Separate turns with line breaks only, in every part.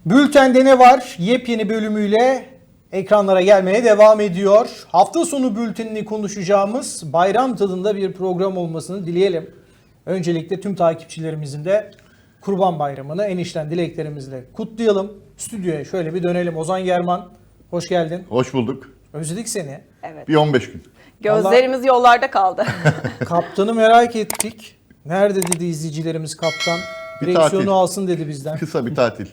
Bülten'de ne var? Yepyeni bölümüyle ekranlara gelmeye devam ediyor. Hafta sonu bültenini konuşacağımız bayram tadında bir program olmasını dileyelim. Öncelikle tüm takipçilerimizin de Kurban Bayramı'nı en içten dileklerimizle kutlayalım. Stüdyoya şöyle bir dönelim. Ozan German, hoş geldin.
Hoş bulduk.
Özledik seni.
Evet.
Bir 15 gün.
Gözlerimiz yollarda kaldı.
Kaptanı merak ettik. Nerede dedi izleyicilerimiz kaptan?
Bir
Direksiyonu
tatil.
alsın dedi bizden.
Kısa bir tatil.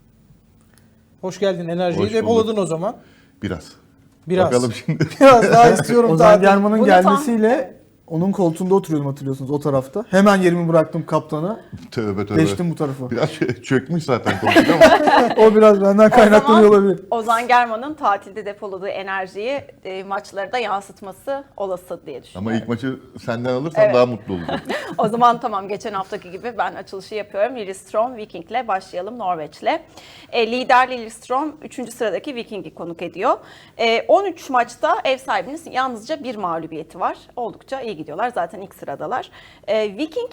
Hoş geldin, enerjiyi
Hoş
depoladın o zaman.
Biraz.
Biraz.
Bakalım şimdi.
Biraz daha istiyorum
Ozan
tatil.
German'ın
Bunu
gelmesiyle onun koltuğunda oturuyordum, hatırlıyorsunuz, o tarafta. Hemen yerimi bıraktım kaptana.
Tövbe tövbe.
Geçtim bu tarafa.
Biraz çökmüş zaten koltuk ama.
O biraz benden kaynaklanıyor olabilir.
Ozan German'ın tatilde depoladığı enerjiyi maçlara da yansıtması olası diye düşünüyorum.
Ama ilk maçı senden alırsan
Evet.
daha mutlu olurum.
O zaman tamam, geçen haftaki gibi ben açılışı yapıyorum. Lillestrøm Viking'le başlayalım, Norveç'le. Lider Lillestrøm 3. sıradaki Viking'i konuk ediyor. 13 maçta ev sahibinin yalnızca bir mağlubiyeti var. Oldukça iyi gidiyorlar. Zaten ilk sıradalar. Viking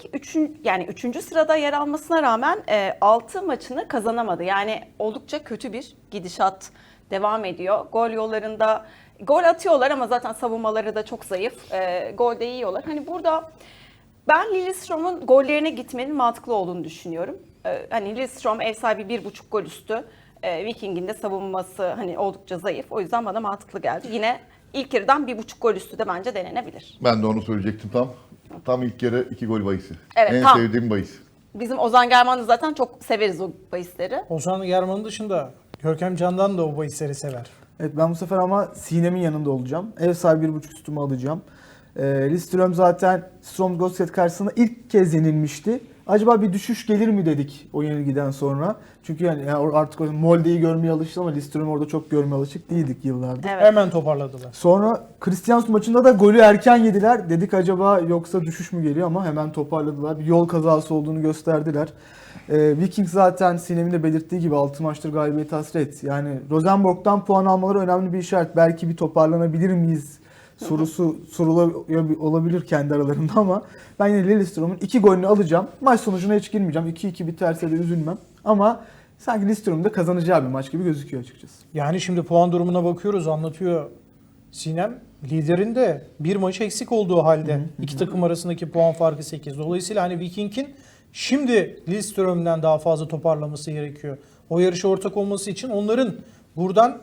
3. sırada yer almasına rağmen 6 maçını kazanamadı. Yani oldukça kötü bir gidişat devam ediyor. Gol yollarında gol atıyorlar ama zaten savunmaları da çok zayıf. Gol de yiyorlar. Hani burada ben Lillestrøm'un gollerine gitmenin mantıklı olduğunu düşünüyorum. Hani Lillestrøm ev sahibi 1,5 gol üstü. Viking'in de savunması hani oldukça zayıf. O yüzden bana mantıklı geldi. Yine ilk yarıdan 1,5 gol üstü de bence denenebilir.
Ben de onu söyleyecektim tam. Tam ilk yarı 2 gol bahisi.
Evet,
en
tam.
sevdiğim bahis.
Bizim Ozan German'ı zaten çok severiz o bahisleri.
Ozan German'ın dışında Görkem Candan da o bahisleri sever.
Evet, ben bu sefer ama Sinem'in yanında olacağım. Ev sahibi 1,5 üstümü alacağım. Lillestrøm zaten Strømsgodset karşısında ilk kez yenilmişti. Acaba bir düşüş gelir mi dedik o yenilgiden sonra. Çünkü yani artık Molde'yi görmeye alıştık ama Lillestrøm'ü orada çok görmeye alışık değildik yıllardır.
Evet.
Hemen toparladılar.
Sonra Kristiansund maçında da golü erken yediler. Dedik acaba yoksa düşüş mü geliyor, ama hemen toparladılar. Bir yol kazası olduğunu gösterdiler. Viking zaten Sinem'in de belirttiği gibi 6 maçtır galibiyet hasret. Yani Rosenborg'dan puan almaları önemli bir işaret. Belki bir toparlanabilir miyiz sorusu soruluyor olabilir kendi aralarında, ama ben yine Lillestrøm'ün 2 golünü alacağım. Maç sonucuna hiç girmeyeceğim. 2-2 biterse de üzülmem. Ama sanki Lillestrøm'ün de kazanacağı bir maç gibi gözüküyor açıkçası.
Yani şimdi puan durumuna bakıyoruz, anlatıyor Sinem. Liderin de bir maç eksik olduğu halde iki takım arasındaki puan farkı 8. Dolayısıyla hani Viking'in şimdi Lillestrøm'den daha fazla toparlaması gerekiyor. O yarışa ortak olması için onların buradan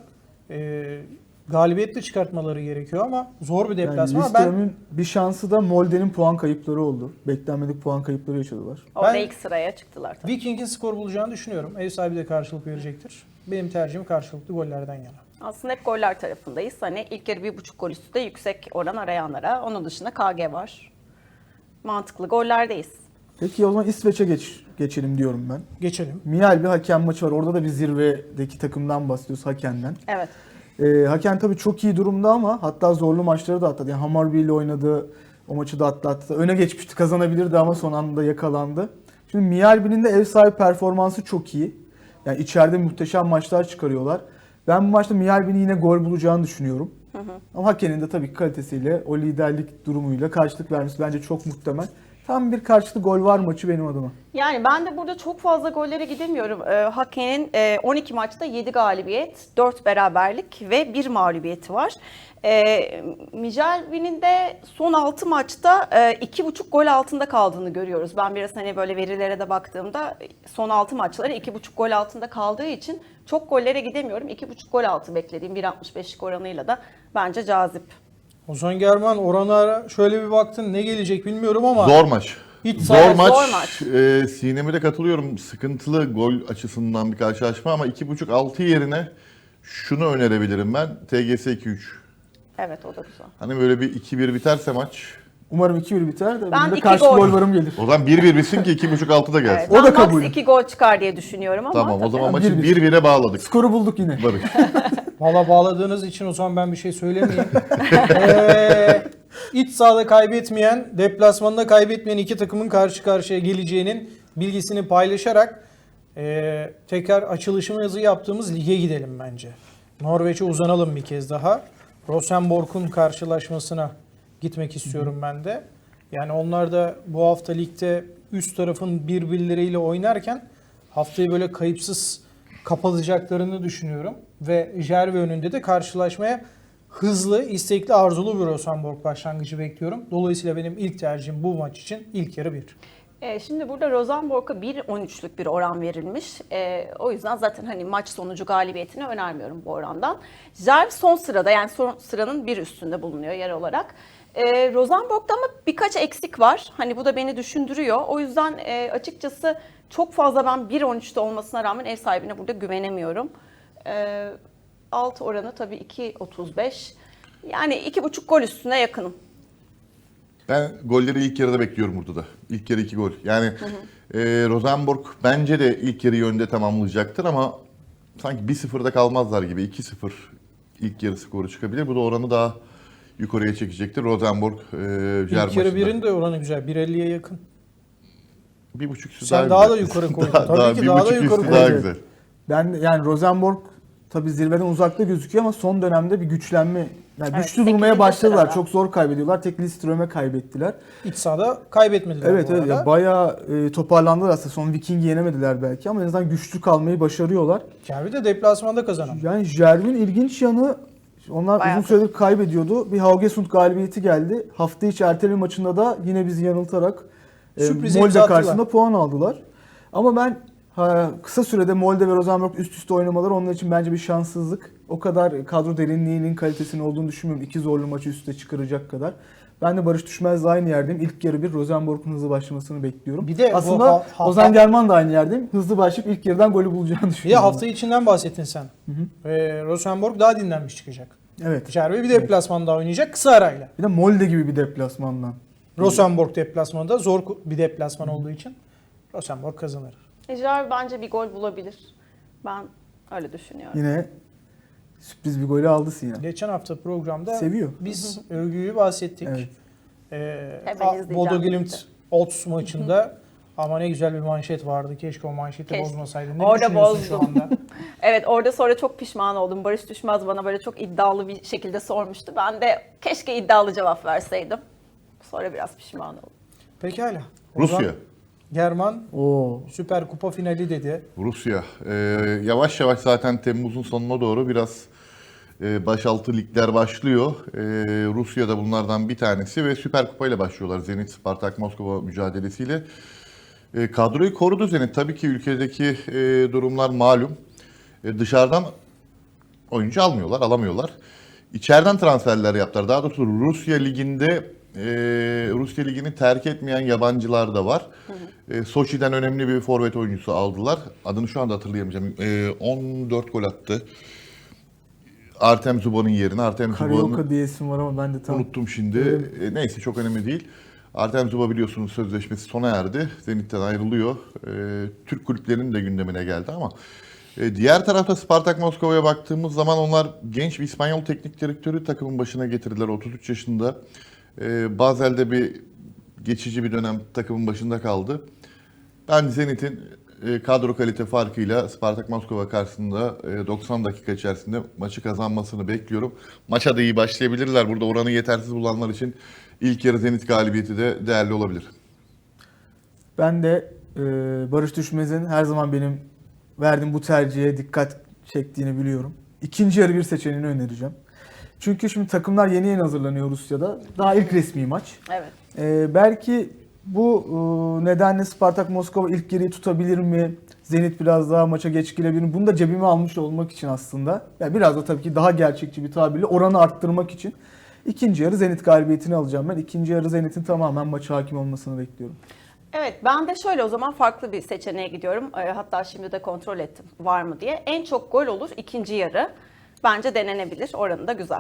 galibiyetle çıkartmaları gerekiyor ama zor bir
Yani
deplasman.
Lillestrøm'ün bir şansı da Molde'nin puan kayıpları oldu. Beklenmedik puan kayıpları yaşadılar.
Orada
Ben-
ilk sıraya çıktılar tabii.
Viking'in skor bulacağını düşünüyorum. Ev sahibi de karşılık verecektir. Benim tercihim karşılıklı gollerden yana.
Aslında hep goller tarafındayız. Hani ilk yarı 1,5 gol üstü de yüksek oran arayanlara. Onun dışında KG var. Mantıklı gollerdeyiz.
Peki o zaman İsveç'e geçelim diyorum ben.
Geçelim.
Mial bir hakem maçı var. Orada da bir zirvedeki takımdan bahsediyoruz, Haken'den.
Evet.
Haken tabii çok iyi durumda ama hatta zorlu maçları da atladı. Yani Hammarby ile oynadı. O maçı da atlattı. Öne geçmişti, kazanabilirdi ama son anda yakalandı. Şimdi Mjällby'nin de ev sahibi performansı çok iyi. Yani içeride muhteşem maçlar çıkarıyorlar. Ben bu maçta Mjällby'nin yine gol bulacağını düşünüyorum. Ama Haken'in de tabii ki kalitesiyle, o liderlik durumuyla karşılık vermesi bence çok muhtemel. Tam bir karşılıklı gol var maçı benim adıma.
Yani ben de burada çok fazla gollere gidemiyorum. Haken'in 12 maçta 7 galibiyet, 4 beraberlik ve 1 mağlubiyeti var. Mjällby'nin de son 6 maçta 2,5 gol altında kaldığını görüyoruz. Ben biraz hani böyle verilere de baktığımda son 6 maçları 2,5 gol altında kaldığı için çok gollere gidemiyorum. 2,5 gol altı beklediğim 1.65'lik oranıyla da bence cazip.
Ozan German oranlara şöyle bir baktın, ne gelecek bilmiyorum ama
Zor maç.
hiç
Zor
sahip-
maç.
zor maç.
Sinem'e de katılıyorum. Sıkıntılı gol açısından bir karşılaşma ama 2.5-6 yerine şunu önerebilirim ben. TGS 2-3.
Evet, o da güzel.
Hani böyle bir 2-1 biterse maç.
Umarım 2-1 biter de
Ben
benim de
2
karşılıklı
gol.
gol varım gelir.
O zaman 1-1 bitsin ki 2.5-6 da gelsin.
Evet,
O da
ben
kabul.
max 2 gol çıkar diye düşünüyorum ama
Tamam o
tabii.
zaman
Ha,
maçı
1-1.
1-1'e bağladık.
Skoru bulduk yine.
Barış.
Valla bağladığınız için o zaman ben bir şey söylemeyeyim. İç sahada kaybetmeyen, deplasmanda kaybetmeyen iki takımın karşı karşıya geleceğinin bilgisini paylaşarak tekrar açılışımızı yaptığımız lige gidelim bence. Norveç'e uzanalım bir kez daha. Rosenborg'un karşılaşmasına gitmek istiyorum ben de. Yani onlar da bu hafta ligde üst tarafın birbirleriyle oynarken haftayı böyle kayıpsız kapatacaklarını düşünüyorum. Ve Jerve önünde de karşılaşmaya hızlı, istekli, arzulu bir Rosenborg başlangıcı bekliyorum. Dolayısıyla benim ilk tercihim bu maç için ilk yarı 1.
Şimdi burada Rosenborg'a 1.13'lük bir oran verilmiş. O yüzden zaten hani maç sonucu galibiyetini önermiyorum bu orandan. Jerv son sırada, yani son sıranın bir üstünde bulunuyor yer olarak. Rosenborg'da ama birkaç eksik var. Hani bu da beni düşündürüyor. O yüzden açıkçası çok fazla ben 1.13'te olmasına rağmen ev sahibine burada güvenemiyorum. Alt oranı tabii 2.35. Yani 2.5 gol üstüne yakınım.
Ben golleri ilk yarıda bekliyorum burada da. İlk yarı 2 gol. Yani Rosenborg bence de ilk yarıyı önde tamamlayacaktır ama sanki 1-0'da kalmazlar gibi. 2-0 ilk yarı skoru çıkabilir. Bu da oranı daha yukarıya çekecektir. Rosenborg Jerv
İlk yarı
maçında.
1'in de oranı güzel. 1.50'ye yakın.
1.5 üstü
Sen
daha
daha
güzel.
da yukarı koydun.
Daha-
Tabii
daha
ki
bir
daha da
buçuk
yukarı
üstü daha
koydun.
güzel.
Ben yani Rosenborg tabii zirveden uzakta gözüküyor ama son dönemde bir güçlenme. Yani
Evet,
güçlü durmaya
8.
başladılar.
sırada.
Çok zor kaybediyorlar. Tek Lidström'e kaybettiler.
İç sahada kaybetmediler
Evet
bu
evet
arada.
ya bayağı toparlandılar aslında. Son Viking'i yenemediler belki ama en azından güçlü kalmayı başarıyorlar.
Jerve de deplasmanda kazanan.
Yani Jerv'in ilginç yanı onlar
Bayağı
uzun süredir kaybediyordu. Bir Haugesund galibiyeti geldi. Hafta içi erteleme maçında da yine bizi yanıltarak
Sürpriz
Molde
imza attılar.
karşısında puan aldılar. Ama ben kısa sürede Molde ve Rosenborg üst üste oynamaları onlar için bence bir şanssızlık. O kadar kadro derinliğinin kalitesinin olduğunu düşünmüyorum. 2 zorlu maçı üst üste çıkaracak kadar. Ben de Barış Düşmez'le aynı yerdeyim. İlk yarı bir Rosenborg'un hızlı başlamasını bekliyorum.
Bir de bu
aslında Ozan German da aynı yerdeyim. Hızlı başlayıp ilk yarıdan golü bulacağını
Bir de
düşünüyorum.
hafta içinden bahsettin sen. Rosenborg daha dinlenmiş çıkacak.
Evet.
Jerve bir deplasmanda oynayacak kısa arayla.
Bir de Molde gibi bir deplasmandan.
Rosenborg deplasmanında zor bir deplasman olduğu için Rosenborg kazanır.
Jerv bence bir gol bulabilir. Ben öyle düşünüyorum.
Yine sürpriz bir golü aldı Sinan.
Geçen hafta programda
Seviyor.
biz övgüyü bahsettik.
Evet.
Hemen izleyeceğim.
Bodo Glimt Ots maçında ama ne güzel bir manşet vardı. Keşke o manşeti
Keşke.
bozmasaydın. Ne
Orada
düşünüyorsun şu
bozdum.
anda?
Evet, orada sonra çok pişman oldum. Barış Düşmez bana böyle çok iddialı bir şekilde sormuştu. Ben de keşke iddialı cevap verseydim. Sonra biraz pişman oldum.
Pekala. Ozan
Rusya.
German
Oo.
Süper Kupa finali dedi.
Rusya. Yavaş yavaş zaten Temmuz'un sonuna doğru biraz başaltı ligler başlıyor. Rusya da bunlardan bir tanesi ve Süper Kupa ile başlıyorlar. Zenit Spartak Moskova mücadelesiyle. Kadroyu korudu Zenit. Tabii ki ülkedeki durumlar malum. Dışarıdan oyuncu almıyorlar, alamıyorlar. İçeriden transferler yaptılar. Daha doğrusu Rusya Ligi'nde Rusya Ligi'ni terk etmeyen yabancılar da var. Soçi'den önemli bir forvet oyuncusu aldılar. Adını şu anda hatırlayamayacağım. 14 gol attı. Artem Zubov'un yerine. Artem Zubov'un
Karyoka diye isim var ama ben de tam
unuttum şimdi. Neyse çok önemli değil. Artem Zubov biliyorsunuz sözleşmesi sona erdi. Zenit'ten ayrılıyor. Türk kulüplerinin de gündemine geldi ama diğer tarafta Spartak Moskova'ya baktığımız zaman onlar genç bir İspanyol teknik direktörü takımın başına getirdiler. 33 yaşında. Bazel'de bir geçici bir dönem takımın başında kaldı. Ben Zenit'in kadro kalite farkıyla Spartak Moskova karşısında 90 dakika içerisinde maçı kazanmasını bekliyorum. Maça da iyi başlayabilirler. Burada oranı yetersiz bulanlar için ilk yarı Zenit galibiyeti de değerli olabilir.
Ben de Barış Düşmez'in her zaman benim verdiğim bu tercihe dikkat çektiğini biliyorum. İkinci yarı bir seçeneğini önereceğim. Çünkü şimdi takımlar yeni yeni hazırlanıyor Rusya'da. Daha ilk resmi maç.
Evet.
Belki bu nedenle Spartak Moskova ilk geriyi tutabilir mi? Zenit biraz daha maça geç girebilir mi? Bunu da cebime almış olmak için aslında. Yani biraz da tabii ki daha gerçekçi bir tabirle oranı arttırmak için. İkinci yarı Zenit galibiyetini alacağım ben. İkinci yarı Zenit'in tamamen maça hakim olmasını bekliyorum.
Evet, ben de şöyle o zaman farklı bir seçeneğe gidiyorum. Hatta şimdi de kontrol ettim var mı diye. En çok gol olur ikinci yarı. Bence denenebilir. Oranı da güzel.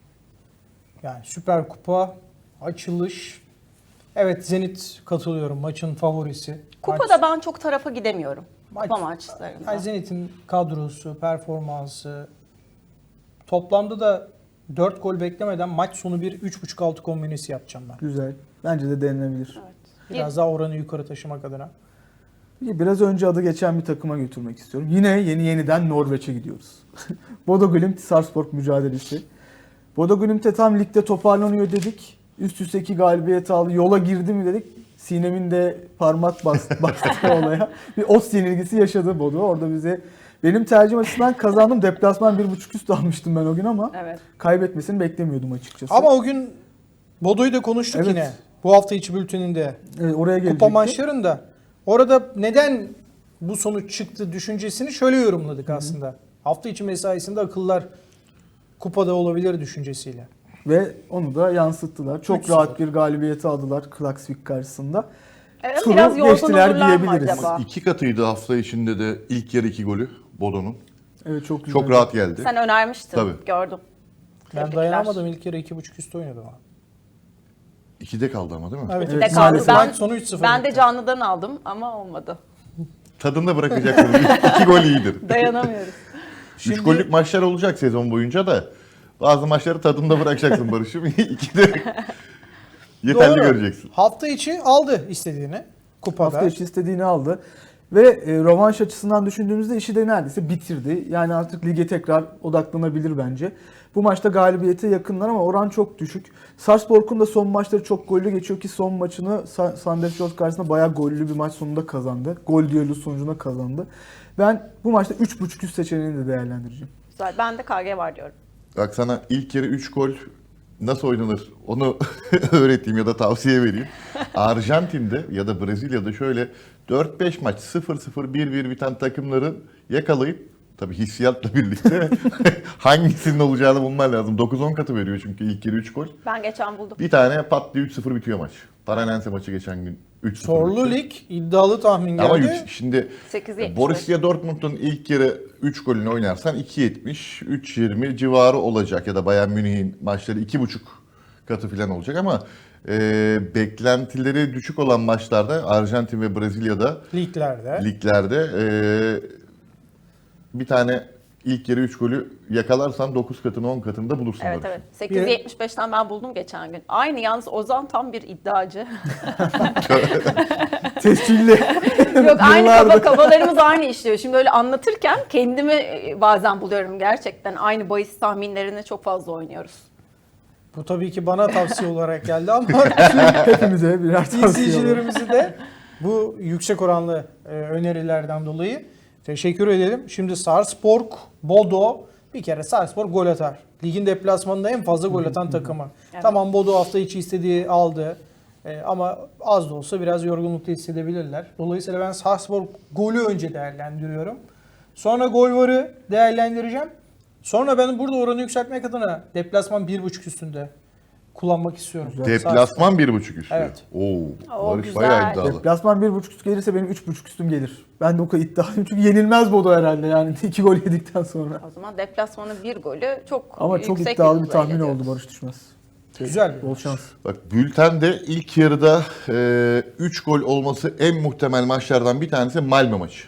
Yani Süper Kupa, açılış. Evet Zenit katılıyorum maçın favorisi.
Kupada ben çok tarafa gidemiyorum.
Maç-
Kupa maçlarında.
Yani Zenit'in kadrosu, performansı toplamda da 4 gol beklemeden maç sonu bir 3.5 altı kombinesi yapacağım ben.
Güzel. Bence de denenebilir.
Evet.
Biraz daha oranı yukarı taşımak adına.
Biraz önce adı geçen bir takıma götürmek istiyorum. Yine yeniden Norveç'e gidiyoruz. Bodo Glimt Sarpsborg mücadelesi. Bodo Glimt'e tam ligde toparlanıyor dedik. Üst üste 2 galibiyet aldı. Yola girdi mi dedik. Sinem'in de parmak bastı olaya. Bir ot yenilgisi yaşadı Bodo. Orada bize Benim tercihim açısından kazandım. Deplasman 1.5 üst almıştım ben o gün ama
Evet.
kaybetmesini beklemiyordum açıkçası.
Ama o gün Bodo'yu da konuştuk
Evet.
yine. Bu hafta içi bülteninde.
Evet, oraya gelecekti.
Kupa maçlarında. Orada neden bu sonuç çıktı düşüncesini şöyle yorumladık aslında. Hafta içi mesaisinde akıllar kupada olabilir düşüncesiyle.
Ve onu da yansıttılar. Çok
3-0.
rahat bir galibiyeti aldılar Klaksvik karşısında.
Evet,
Turu
biraz yorgun
geçtiler
olurlar mı
diyebiliriz.
acaba?
2 katıydı hafta içinde de ilk yarı 2 golü Bodo'nun.
Evet çok güzel.
Çok rahat geldi.
Sen önermiştin.
Tabii.
Gördüm.
Ben
Tebrikler.
dayanamadım, ilk kere 2.5 üstü oynadım.
2'de kaldı ama değil mi?
Evet,
İkide
Evet,
kaldı.
maalesef.
Maç sonu 3-0
Ben de
bitti.
canlıdan aldım ama olmadı.
Tadında bırakacaksınız. 2 gol iyidir.
Dayanamıyoruz.
3 gollük maçlar olacak sezon boyunca da. Bazı maçları tadında bırakacaksın Barış'ım. 2'de yeterli
Doğru.
göreceksin.
Hafta içi aldı istediğini kupada.
Hafta içi istediğini aldı. Ve rövanş açısından düşündüğümüzde işi de neredeyse bitirdi. Yani artık lige tekrar odaklanabilir bence. Bu maçta galibiyete yakınlar ama oran çok düşük. Sarpsborg'un da son maçları çok gollü geçiyor ki son maçını Sandefjord karşısında bayağı gollü bir maç sonunda kazandı. Gol düellosu sonucunda kazandı. Ben bu maçta 3.5 üst seçeneğini de değerlendireceğim.
Güzel. Ben de KG var diyorum.
Bak sana ilk yarı 3 gol nasıl oynanır onu öğreteyim ya da tavsiye vereyim. Arjantin'de ya da Brezilya'da şöyle 4-5 maç 0-0 1-1 biten takımların yakalayıp tabii hissiyatla birlikte hangisinin olacağını bulman lazım. 9-10 katı veriyor çünkü ilk yarı 3 gol.
Ben geçen buldum.
Bir tane pat diye 3-0 bitiyor maç. Paranense maçı geçen gün 3-0
Sorlu
bitti.
lig iddialı tahmin
Ama
geldi.
şimdi
8.75.
Borussia Dortmund'un ilk yarı 3 golünü oynarsan 2.70, 3.20 civarı olacak ya da Bayern Münih'in maçları 2.5 katı falan olacak ama beklentileri düşük olan maçlarda Arjantin ve Brezilya'da liglerde bir tane ilk yarı 3 golü yakalarsan 9 katını 10 katını da bulursun.
Evet
Barış.
evet. 8.75'ten ben buldum geçen gün. Aynı yalnız Ozan tam bir iddiacı.
Tescilli.
Yok aynı
Yıllardır.
kafalarımız aynı işliyor. Şimdi öyle anlatırken kendimi bazen buluyorum gerçekten. Aynı bahis tahminlerini çok fazla oynuyoruz.
Bu tabii ki bana tavsiye olarak geldi ama
Hepimize birer tavsiye var.
izleyicilerimizi de bu yüksek oranlı önerilerden dolayı teşekkür edelim. Şimdi Sarpsborg, Bodo bir kere Sarpsborg gol atar. Ligin deplasmanında en fazla gol atan takımı.
Evet.
Tamam Bodo hafta içi istediği aldı. Ama az da olsa biraz yorgunlukta hissedebilirler. Dolayısıyla ben Sarpsborg golü önce değerlendiriyorum. Sonra gol varı değerlendireceğim. Sonra ben burada oranı yükseltmek adına deplasman 1.5 üstünde kullanmak istiyorum.
Deplasman 1.5 üstü.
Evet.
Oo, Barış
güzel.
bayağı iddialı.
Deplasman 1.5 üst gelirse benim 3.5 üstüm gelir. Ben de o kadar iddialıyım çünkü yenilmez Bodo herhalde yani 2 gol yedikten sonra.
O zaman deplasmanın bir golü çok
Ama çok
yüksek
iddialı bir
hızla
tahmin
geliyor.
oldu Barış Düşmez.
Güzel bir
Bol şans.
Bak bültende ilk yarıda 3 gol olması en muhtemel maçlardan bir tanesi Malmö maçı.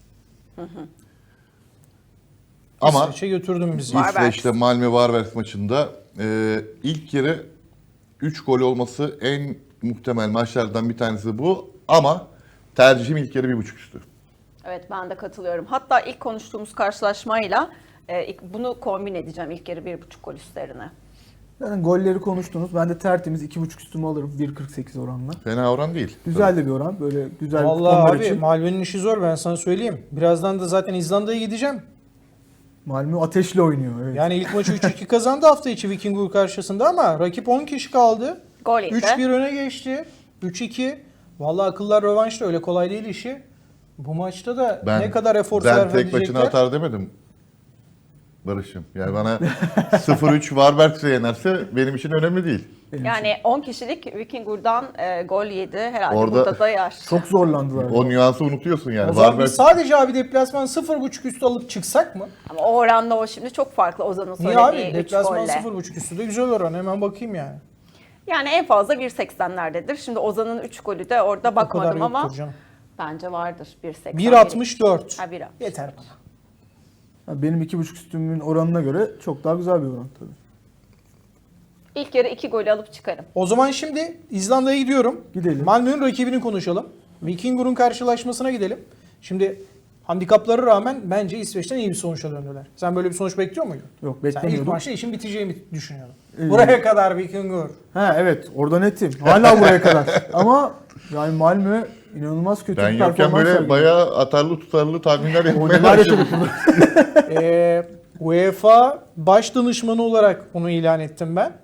Ama
İsveç'e götürdüm bizi.
Var.
İsveç'te Malmö Varberg maçında ilk yarı 3 gol olması en muhtemel maçlardan bir tanesi bu. Ama tercihim ilk yarı 1.5 üstü.
Evet ben de katılıyorum. Hatta ilk konuştuğumuz karşılaşmayla bunu kombin edeceğim ilk yarı 1.5 gol üstlerine.
Yani golleri konuştunuz. Ben de tertemiz 2.5 üstümü alırım 1.48 oranla.
Fena oran değil.
Güzel de bir oran. Böyle güzel
Vallahi
kuponlar
abi
için.
Malmö'nün işi zor ben sana söyleyeyim. Birazdan da zaten İzlanda'ya gideceğim.
Malmö ateşle oynuyor. Evet.
Yani ilk maçı 3-2 kazandı hafta içi Vikingur karşısında ama rakip 10 kişi kaldı.
Gol yedi.
3-1 öne geçti. 3-2. Vallahi akıllar rövanşta öyle kolay değil işi. Bu maçta da ne kadar efor
Ben
sarf
tek başına
edecekler.
atar demedim. Barış'ım. Yani bana 0-3 Varberg'se yenerse benim için önemli değil.
Yani 10 kişilik Vikingur'dan gol yedi. Herhalde
Orada-
burada da yer.
Çok zorlandılar.
O nüansı unutuyorsun yani.
O zaman
Varberg
biz sadece abi deplasman 0.5 üstü alıp çıksak mı?
Ama o oranla o şimdi çok farklı Ozan'ın
Niye
söylediği
abi?
3
Deplasman
golle.
0.5 üstü de güzel oran. Hemen bakayım yani.
Yani en fazla 1.80'lerdedir. Şimdi Ozan'ın 3 golü de orada
O kadar
bakmadım ama
yoktur canım.
bence vardır 1.80.
1.64.
Ha, 1.60.
Yeter bana.
Yani benim 2.5 üstümün oranına göre çok daha güzel bir oran tabii.
İlk yarı 2 golü alıp çıkarım.
O zaman şimdi İzlanda'ya gidiyorum.
Gidelim.
Malmö'nün rakibini konuşalım. Vikingur'un karşılaşmasına gidelim. Şimdi handikaplara rağmen bence İsveç'ten iyi bir sonuçla döndüler. Sen böyle bir sonuç bekliyor muydun?
Yok
Sen ilk
beklemiyordum.
maçta işin biteceğini düşünüyordun.
İyi.
Buraya kadar Vikingur.
Ha evet orada netim. Hala buraya kadar. Ama yani Malmö İnanılmaz kötü
Ben
bir
yokken
performans
böyle
sergiledi.
bayağı atarlı tutarlı tahminler yapmaya
Oyunlar
başladım.
yaşadık burada.
UEFA baş danışmanı olarak onu ilan ettim ben.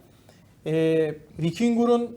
Vikingur'un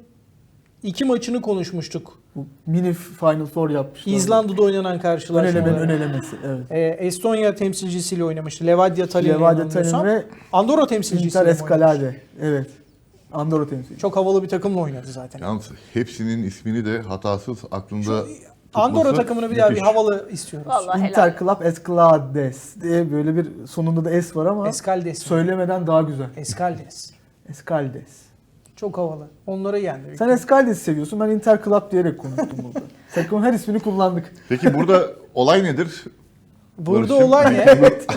2 maçını konuşmuştuk.
Bu mini Final Four yapmışlar.
İzlanda'da oynanan
Ön
karşılaşmaları.
elemesi. Evet.
Estonya temsilcisiyle oynamıştı. Levadia Tallinn'le
Levadia Tallinn
yanılmıyorsam.
ve
Andorra temsilcisiyle
Inter
mi oynamıştı?
Escalade. Evet. Andorra temsilcisi.
Çok havalı bir takımla oynadı zaten.
Yalnız hepsinin ismini de hatasız aklında
Andorra
tutması
takımını bir daha bir
müthiş.
havalı istiyoruz.
Vallahi helal.
Inter Club Escalades diye böyle bir sonunda da S var ama
Escaldes mi?
söylemeden daha güzel.
Escaldes.
Escaldes.
Çok havalı. Onları yendi.
Sen Escaldes'i seviyorsun. Ben Inter Club diyerek konuştum burada. Takımın her ismini kullandık.
Peki burada olay nedir?
Burada
Barış'ım.
olay ne?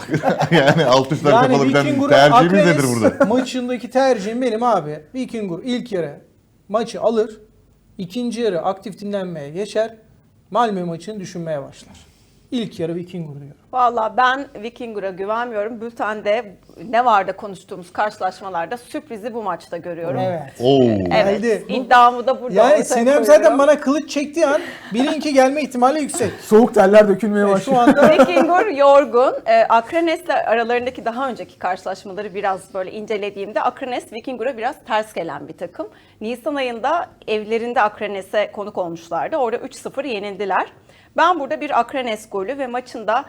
Yani alt üstler
Yani
kapalı giden
Vikingur'un
tercihimiz
Akrenes
nedir burada?
maçındaki tercihim benim abi. Vikingur ilk yarı maçı alır. İkinci yarı aktif dinlenmeye geçer. Malmö maçını düşünmeye başlar. İlk yarı Vikingur diyorum.
Valla ben Vikingur'a güvenmiyorum. Bülten'de ne var da konuştuğumuz karşılaşmalarda sürprizi bu maçta görüyorum.
Evet.
Oo.
Evet.
Geldi.
İddiamı da burada
Yani
ortaya
Sinem
koyuyorum.
zaten bana kılıç çektiği an bilinki gelme ihtimali yüksek.
Soğuk terler dökülmeye
Şu
başlıyor.
anda
Vikingur yorgun. Akrenes'le aralarındaki daha önceki karşılaşmaları biraz böyle incelediğimde Akrenes Vikingur'a biraz ters gelen bir takım. Nisan ayında evlerinde Akrenes'e konuk olmuşlardı. Orada 3-0 yenildiler. Ben burada bir Akrenes golü ve maçında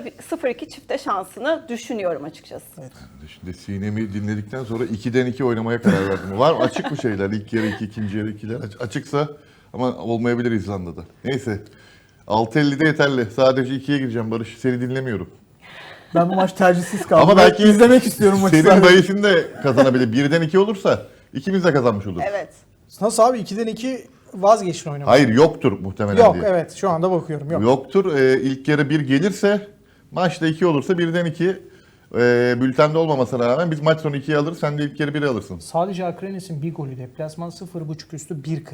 0-2 çifte şansını düşünüyorum açıkçası.
Şimdi Sinem'i dinledikten sonra 2'den 2 oynamaya karar verdim. Var mı? Açık mı şeyler? İlk yarı 2, ikinci yarı 2'ler. Açıksa ama olmayabilir İzlanda'da. Neyse. 6.50'de yeterli. Sadece 2'ye gireceğim Barış. Seni dinlemiyorum.
Ben bu maç tercihsiz kaldım.
Ama belki
izlemek istiyorum maçı.
Senin
sadece.
dayısın da kazanabilir. 1'den 2 olursa ikimiz de kazanmış oluruz.
Evet.
nasıl abi 2'den 2 vazgeçin oynamayı.
Hayır yoktur muhtemelen
Yok
diye.
evet şu anda bakıyorum yok.
Yoktur. İlk yarı 1 gelirse maçta 2 olursa 1'den 2 bültende olmamasına rağmen biz maç sonu 2'yi alırız. Sen de ilk yarı 1'i alırsın.
Sadece Akrenes'in bir golü deplasman 0.5 üstü 1.40.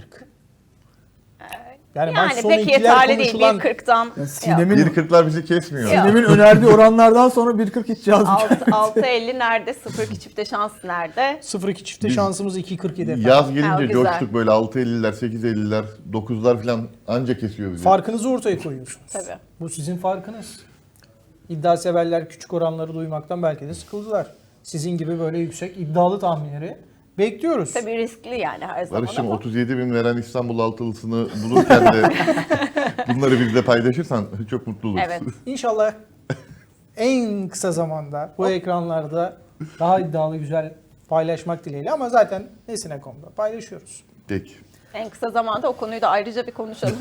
Yani, maç
Yani
sonu
pek
ikiler
yeterli değil.
konuşulan
1.40'dan
Yani Sinem'in
1.40'lar bizi kesmiyor.
Ya.
Sinem'in önerdiği oranlardan sonra 1.40 hiç yazmıyor.
6.50 nerede? 0-2 çifte şans nerede?
0.2 çifte
Biz-
şansımız 2.47 efendim.
Yaz
Ha,
gelince
güzel.
coştuk böyle 6.50'ler, 8.50'ler, 9'lar falan anca kesiyor bizi.
Farkınızı ortaya koyuyorsunuz.
Tabii.
Bu sizin farkınız. İddia severler küçük oranları duymaktan belki de sıkıldılar. Sizin gibi böyle yüksek iddialı tahminleri bekliyoruz.
Tabii riskli yani her zaman
Barış'ım
ama.
37 bin veren İstanbul altılısını bulurken de bunları bizle paylaşırsan çok mutlu oluruz.
Evet.
İnşallah en kısa zamanda bu ekranlarda daha iddialı güzel paylaşmak dileğiyle ama zaten Nesine.com'da paylaşıyoruz.
Peki.
En kısa zamanda o konuyu da ayrıca bir konuşalım.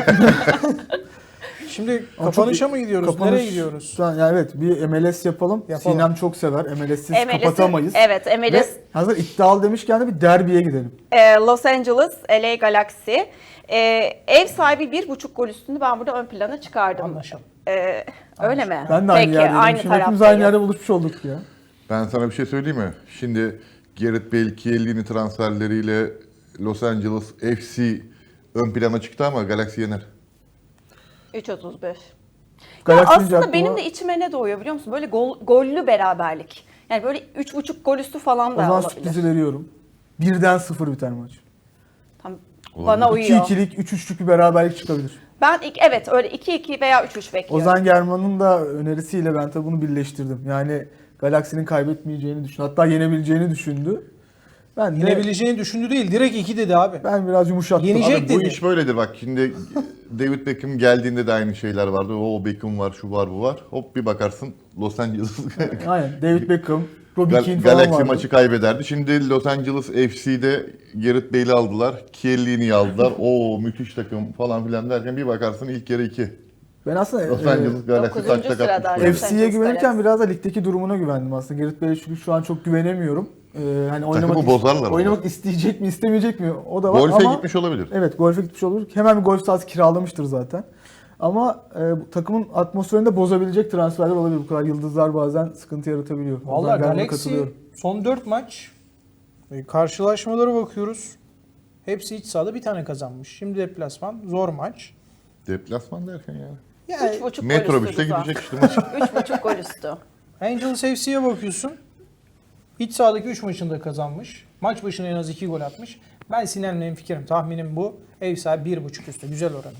Şimdi
Ama
kapanışa
çok-
mı gidiyoruz?
kapanış-
Nereye gidiyoruz?
Şu an, yani evet bir MLS yapalım.
Yapalım.
Sinem çok sever. MLS'siz
MLS'i
kapatamayız.
evet, MLS
Ve hazır iddialı demişken de bir derbiye gidelim.
Los Angeles, LA Galaxy. Ev sahibi 1.5 gol üstünü ben burada ön plana çıkardım.
Anlaşalım.
Öyle mi?
Ben de aynı
Peki,
yerdeyim.
aynı
Şimdi hepimiz
taraftayız.
aynı yerde buluşmuş olduk ya.
Ben sana bir şey söyleyeyim mi? Şimdi Gareth Bale, Chiellini transferleriyle Los Angeles FC ön plana çıktı ama Galaxy yener.
3.35. Ya
Galaxy'nin
aslında
aklıma-
benim de içime ne doğuyor biliyor musun? Böyle gollü beraberlik. Yani böyle 3.5 gol üstü falan
O
da
zaman
olabilir.
sürprizi veriyorum. 1'den 0 biter maç.
Tam
Olabilir.
bana uyuyor.
2-2'lik, 3-3'lük bir beraberlik çıkabilir.
Ben evet öyle 2-2 veya 3-3 bekliyorum.
Ozan German'ın da önerisiyle ben tabii bunu birleştirdim. Yani Galaxy'nin kaybetmeyeceğini düşün. Hatta yenebileceğini düşündü. Ben de
Yenebileceğini düşündü değil. Direkt 2 dedi abi.
ben biraz yumuşattım.
Yenecek
Abi bu
dedi.
iş böyledir bak. Şimdi David Beckham geldiğinde de aynı şeyler vardı. O Beckham var, şu var, bu var. Hop bir bakarsın Los Angeles
Aynen. David Beckham, Robbie Keane falan
Galaxy
vardı.
maçı kaybederdi. Şimdi Los Angeles FC'de Gareth Bale'i aldılar. Chiellini'yi aldılar. Oo müthiş takım falan filan derken bir bakarsın ilk yarı 2.
Ben aslında
Los Angeles Galaxy
9.
taşta
sırada.
kapmış.
Los
FC'ye
Angeles
güvenirken
Galaxy.
biraz da ligdeki durumuna güvendim aslında. Gareth Bale'e çünkü şu an çok güvenemiyorum. Hani
bozarlar
oynamak
ama.
isteyecek mi, istemeyecek mi? O da var
Golfe
ama
gitmiş olabilir.
evet, golfe gitmiş olabilir. Hemen bir golf sahası kiralamıştır zaten. Ama bu takımın atmosferini de bozabilecek transferler olabilir. Bu kadar yıldızlar bazen sıkıntı yaratabiliyor. O
Vallahi
yüzden ben buna
Galaxy
katılıyorum.
son 4 maç karşılaşmalara bakıyoruz. Hepsi iç sahada bir tane kazanmış. Şimdi deplasman zor maç.
Deplasman derken yani.
Yani
3.5 gol
Metrobüste
üstü Rıza.
gidecek işte maç.
3.5 gol üstü.
Angels FC'ye bakıyorsun. İç sahadaki 3 maçında kazanmış. Maç başına en az 2 gol atmış. Ben Sinem'le hemfikirim. Tahminim bu. Ev sahibi 1.5 üstü. Güzel oranı da var.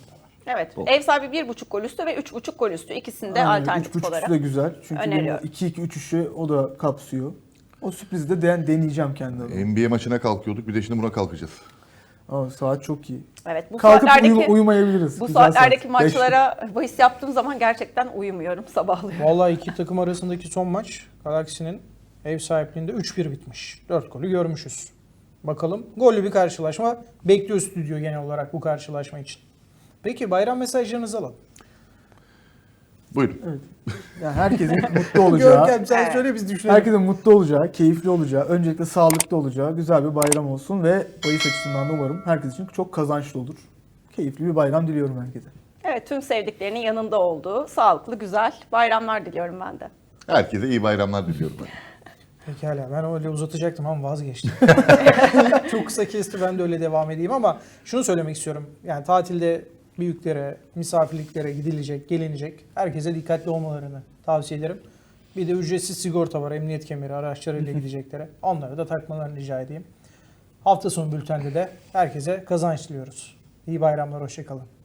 Evet. Ev sahibi 1.5 gol üstü ve 3.5 gol üstü. İkisinde alternatif
3.5'sı
olarak.
da güzel. Çünkü benim
öneriyorum.
2-2-3-3'ü o da kapsıyor. O sürprizi de deneyeceğim kendi adıma.
NBA maçına kalkıyorduk. Bir de şimdi buna kalkacağız.
Aa, saat çok iyi.
Evet. Bu
Kalkıp
saatlerdeki
uyumayabiliriz.
bu
Güzel saat.
saatlerdeki
5'te.
maçlara bahis yaptığım zaman gerçekten uyumuyorum, sabahlıyorum.
Vallahi iki takım arasındaki son maç Galaxy'nin ev sahipliğinde 3-1 bitmiş. 4 golü görmüşüz. Bakalım gollü bir karşılaşma bekliyor stüdyo genel olarak bu karşılaşma için. Peki bayram mesajlarınızı alalım.
Buyurun.
Evet. Yani herkesin mutlu olacağı,
Görkem sen
Evet.
söyle biz düşünelim.
herkesin mutlu olacağı, keyifli olacağı, öncelikle sağlıklı olacağı güzel bir bayram olsun ve bahis açısından da umarım herkes için çok kazançlı olur. Keyifli bir bayram diliyorum herkese.
Evet, tüm sevdiklerinin yanında olduğu sağlıklı, güzel bayramlar diliyorum ben de.
Herkese iyi bayramlar diliyorum ben.
Pekala ben öyle uzatacaktım ama vazgeçtim. Çok kısa kesti ben de öyle devam edeyim ama şunu söylemek istiyorum. Yani tatilde büyüklere, misafirliklere gidilecek, gelinecek. Herkese dikkatli olmalarını tavsiye ederim. Bir de ücretsiz sigorta var, emniyet kemeri araçlarıyla gideceklere. Onları da takmalarını rica edeyim. Hafta sonu bültende de herkese kazanç diliyoruz. İyi bayramlar, hoşça kalın.